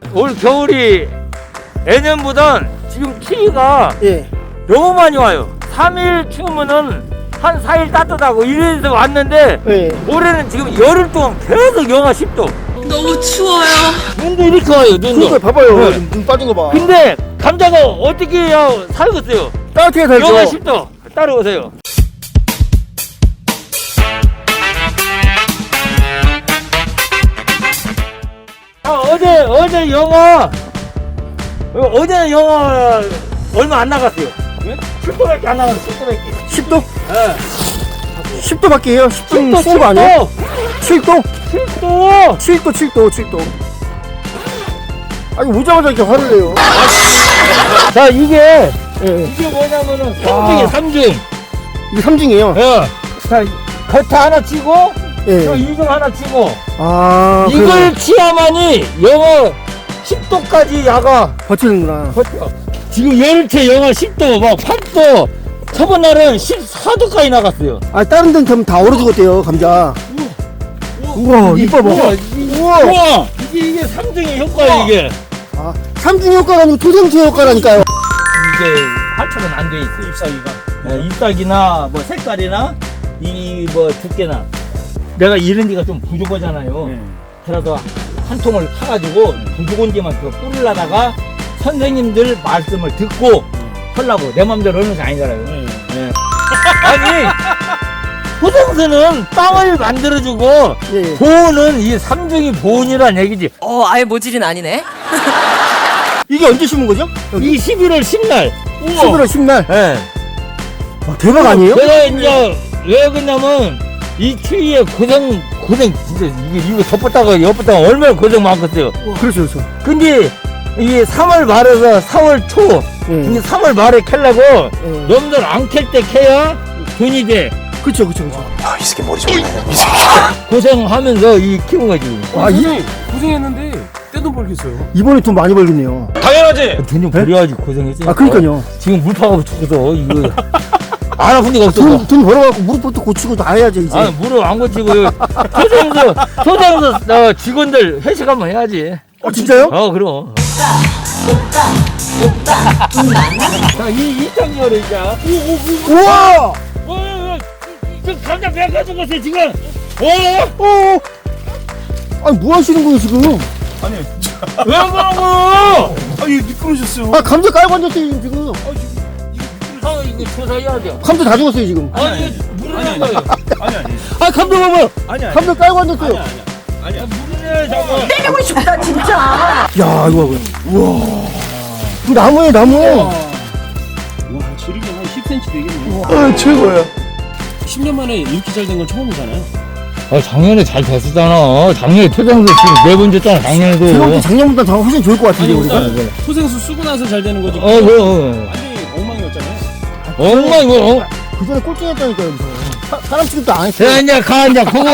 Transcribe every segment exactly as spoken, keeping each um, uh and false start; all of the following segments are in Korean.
올 겨울이 예년보단 지금 추위가 예. 너무 많이 와요. 삼 일 추우면은 한 사 일 따뜻하고 이래서 왔는데 예. 올해는 지금 열흘 동안 계속 영하 십 도. 너무 추워요. 눈도 이렇게 와요, 눈도. 그거 봐봐요. 네. 지금 눈 빠진 거 봐. 근데 감자가 어떻게 해야 살겠어요? 따뜻하게 살죠. 영하 십 도. 따라오세요. 아, 어제 어제 영하 어, 어제는 영하 얼마 안 나갔어요. 십 도밖에 안 나갔어요. 십 도밖에. 십 도? 네. 십 도밖에 해요? 십 도 십 추운 거 아니에요? 칠 도? 칠 도. 칠 도, 칠 도, 칠 도. 아니, 오자마자 이렇게 화를 내요. 자, 이게 예. 이게 뭐냐면은 와. 삼중이에요. 삼중. 이게 삼중이에요. 예. 자, 겉에 하나 치고 예. 저 이중 하나 치고 아, 이걸 그래요. 치야만이 영하 십 도까지 야가 버티는구나. 버텨. 지금 열흘째 영하 십 도, 막 팔 도. 저번 날은 십사 도까지 나갔어요. 아, 다른 데는 그럼 다 얼어 죽었대요, 감자. 우와, 이뻐 봐. 우와, 이- 우와. 우와, 이게 이게 삼중의 효과야 이게. 아, 삼중 효과가 아니고 토생수 효과라니까요. 이게 활착은 안 돼 있어요. 잎사귀가. 네, 잎사귀나 뭐 색깔이나 이 뭐 두께나. 내가 이런 데가 좀 부족하잖아요. 네. 그래도 한 통을 사가지고 부족한 데만 그 뿌리려다가 선생님들 말씀을 듣고 하려고 내 맘대로 하는 게 아니잖아요. 네. 아니 토생수는 땅을 만들어주고 예, 예. 보온은 이 삼중이 보온이란 얘기지. 어, 아예 모질은 아니네. 이게 언제 심은 거죠? 이 십일월 십날. 십일월 십날. 네. 와, 대박 아니에요? 내가 이제 왜 그러냐면 이 추위에 고생 고생 진짜 이게 이거 덮었다가 엿었다가 얼마나 고생 많겠어요. 그렇죠, 그렇죠. 근데 이게 삼월 말에서 사월 초 예. 근데 삼월 말에 캘라고 예. 여러분들 안 캘 때 캐야 돈이 돼. 그렇죠, 그렇죠, 그렇죠. 아, 이 새끼 머리 좋네. 이 새끼. 고생하면서 이 키운 거지. 와, 이, 고생했는데 떼돈 벌겠어요. 이번에 돈 많이 벌겠네요. 당연하지. 돈 좀 벌여야지 고생했지. 아, 그러니까요. 지금 물파가 죽어서 이거 안 아픈 데가 없어. 돈, 돈 벌어갖고 무릎부터 고치고 다 해야지, 이제. 아, 무릎 안 고치고 소장서 소장서 어, 직원들 회식 한번 해야지. 어, 진짜요? 어, 그럼. 자, 이 이창렬 이자. 우와! 어, 지금 감자 배가 죽었어요 지금. 어? 어! 아니, 뭐 하시는 거예요, 지금? 왜 그러고? 아니 미끄러졌어요. 아, 감자 깔고 앉았어요, 지금. 아, 이거 조사해야 돼. 감자 다 죽었어요, 지금. 아니, 물을 낸 거예요. 아니 아니. 아, 감자 봐봐요. 아니 아니. 감자 깔고 앉았어요. 아니야. 물을 내야 잡아. 때리고 싶다, 진짜. 야, 이거 봐봐요. 우와. 그 나무에 나무. 와 지름이 한 십 센티미터 되겠네. 아, 최고야. 십 년 만에 이렇게 잘 된 건 처음이잖아요. 아, 작년에 잘 됐었잖아. 작년에 토장도 지금 네 번 줬잖아, 작년에도. 제가 볼때 작년보다 더 훨씬 좋을 것 같은데, 아니 우리가. 일단 소생수 쓰고 나서 잘 되는 거지. 어, 그럼. 완전히 엉망이었잖아요. 엄마, 이거, 어. 그 전에 꼴찌했다니까요, 무슨. 사, 사람 취급도 안 했어요. 자, 이제 가, 이제 그거.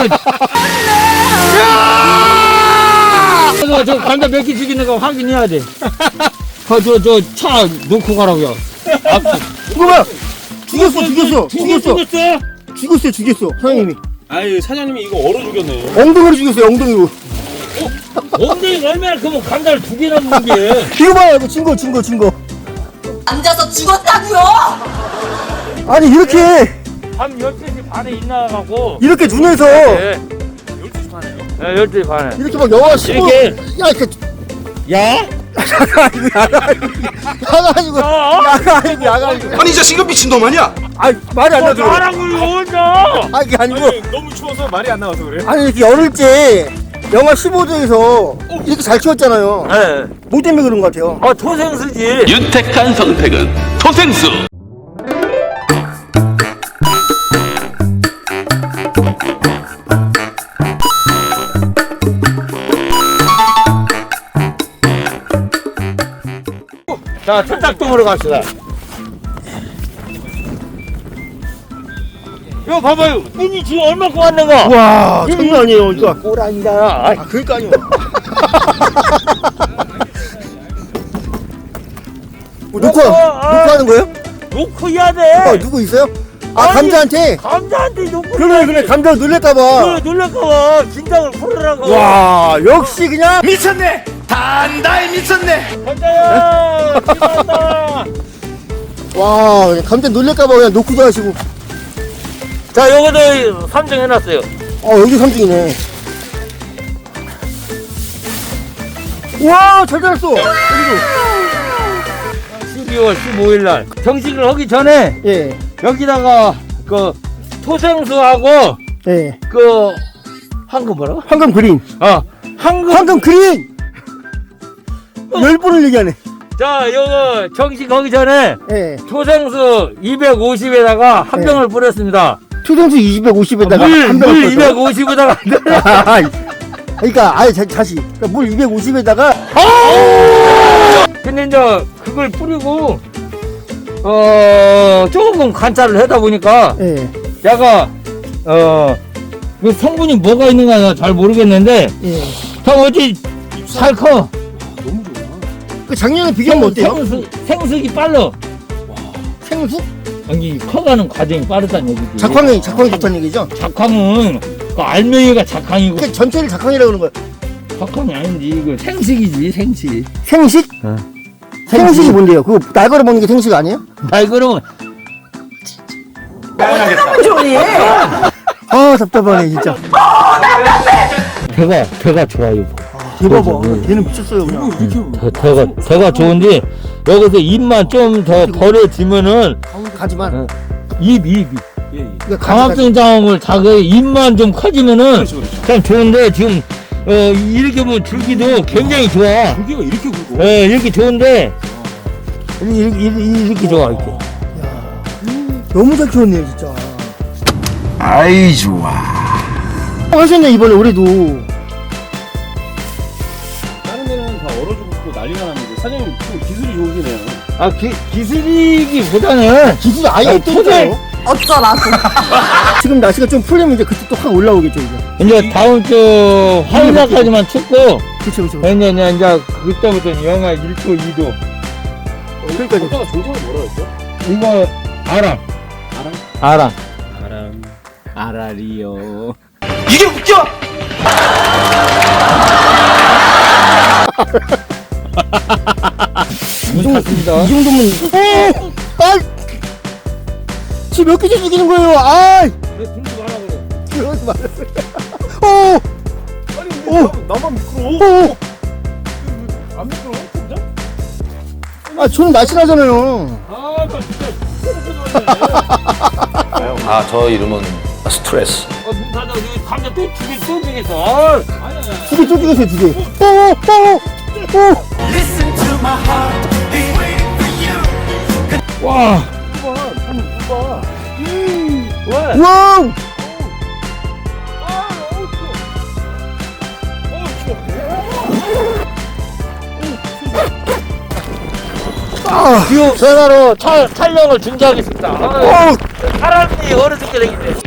저, 저 감자 몇 개 죽이는 거 확인해야 돼. 저, 저, 저, 차 놓고 가라고요. 아, 이거 봐요. 죽였어, 죽였어. 죽였어? 죽였어. 죽였어? 죽였어요, 죽였어. 사장님이. 아유 사장님이 이거 얼어 죽였네. 엉덩이로 죽였어요, 엉덩이로. 엉덩이가 얼마나 크면 감자를 두 개나 먹는 게. 이거 봐요, 이거 증거, 증거, 증거. 앉아서 죽었다고요. 아니, 이렇게, 밤 열두 시 반에 일나가고. 이렇게 눈에서, 네. 열두 시 반에요? 네, 열두 시 반에. 이렇게 막 영화 십오. 이렇게. 야, 이렇게. 야? 야가 아니고, 야가 아니고. 야가 아니고. 야가 아니고, 야가 아니고. 아니, 이 자식아 미친놈 아니야? 아, 말이 안 나죠. 나라고요, 혼자. 아, 이게 아니고. 아니 너무 추워서 말이 안 나와서 그래. 아니, 이렇게 열흘째 영하 십오 도에서 이렇게 잘 키웠잖아요. 네. 뭐 때문에 그런 것 같아요? 아, 토생수지. 윤택한 선택은 토생수. 자, 천작동으로 갑시다. 이거 봐봐요. 눈이 지금 얼마큼 왔는가? 와, 장난 아니에요, 이거. 꼬랑이다. 아, 그러니까요. 뭐, 녹화, 녹화하는 거예요? 놓고 해야 돼. 어, 누구 있어요? 아, 아니, 감자한테? 감자한테 놓고. 그래, 그래, 감자 놀랄까봐. 그래, 놀랄까봐. 긴장을 풀으라고. 와, 역시 그냥 미쳤네! 단단히 미쳤네. 감자야 찍었다. 와, 그냥 감자 놀랄까봐 그냥 놓고도 하시고. 자 요거도 삼 등 해놨어요. 어, 여기 삼 등이네. 와, 잘 자랐어. 여기도. 십이월 십오일 날 정식을 하기 전에 예, 여기다가 그 토생수하고 예. 그 황금 뭐라고? 황금 그린. 어 황금. 황금 그린! 열 번을 얘기하네. 자 요거 정식 하기 전에 예. 토생수 이백오십에다가 한 네. 병을 뿌렸습니다. 투정수 이백오십에다가 물, 한 물 병을 이백오십에다가 그러니까 아예 자, 다시 그러니까 물 이백오십에다가 근데 이제 그걸 뿌리고 어 조금 관찰을 하다 보니까 예, 야가 어 그 성분이 뭐가 있는가 잘 모르겠는데 예. 형 어찌 잘 커. 그 작년에 비교하면 어때요? 생수, 생수기 빨라. 생수? 아니 커가는 과정이 빠르다는 얘기지. 작황이 작황이 좋다는 얘기죠? 작황은 그 알맹이가 작황이고 그 전체를 작황이라고 그러는 거야. 작황이 아닌지 이거 생식이지 생식. 생식? 어. 생식이 뭔데요? 그거 날 걸어 먹는 게 생식 아니에요? 말 그러면 아 답답하네 진짜. 대가 대가 좋아요. 대박아. 얘는 미쳤어요 그냥. 대, 대가 대가 좋은데 여기서 입만 좀 더 벌어지면은 가지만. 어, 입 입. 그러니까 가지, 강압성 장음을 자기 입만 좀 커지면은 그렇죠, 그렇죠. 참 좋은데 지금 어 이렇게 보면 줄기도 굉장히 좋아. 고기가 이렇게 굵고. 예 이렇게 좋은데 이렇게, 이렇게, 이렇게 좋아 이렇게. 너무 잘 키웠네요 진짜. 아이 좋아. 하셨네 이번에 올해도. 다른 데는 다 얼어 죽고 난리가 났는데 사장님 좀 기술이 좋으시네요. 아 기, 기술이기보다는 기술이 아예 아니, 없다니까요. 어쩌라고. 지금 날씨가 좀 풀리면 이제 그때 또 확 올라오겠죠 이제. 이제 다음 주 화요일까지만 춥고 그쵸 그쵸. 이제 이제 이제 그때부터는 영하 일 도 이 도. 그러니까 오빠가 종자가 뭐라 했죠? 이거 아람. 아람? 아람. 아람. 아라리요. 이게 웃겨? 문 닫습니다. 이 정도면. 어! 아! 지금 몇 개째 죽이는 거예요? 아! 왜 등수 하라 그래? 그러지 말았어요. 어! 아니 오! 나만 미끄러워. 어! 안 미끄러워? 진짜? 아, 저는 날씬하잖아요. 아, 나 진짜. 아 저 이름은 스트레스. 어, 문 닫아. 여기 감자 또 두개 또 주겠어. 아, 아니, 아니. 두 개 쪼개세요, 두 개. 어, 어, 어, 와. 왜? 와우! 아, 지금 전화로 차, 촬영을 중지하겠습니다. 아, 어, 사람이 어느 정도 되겠네.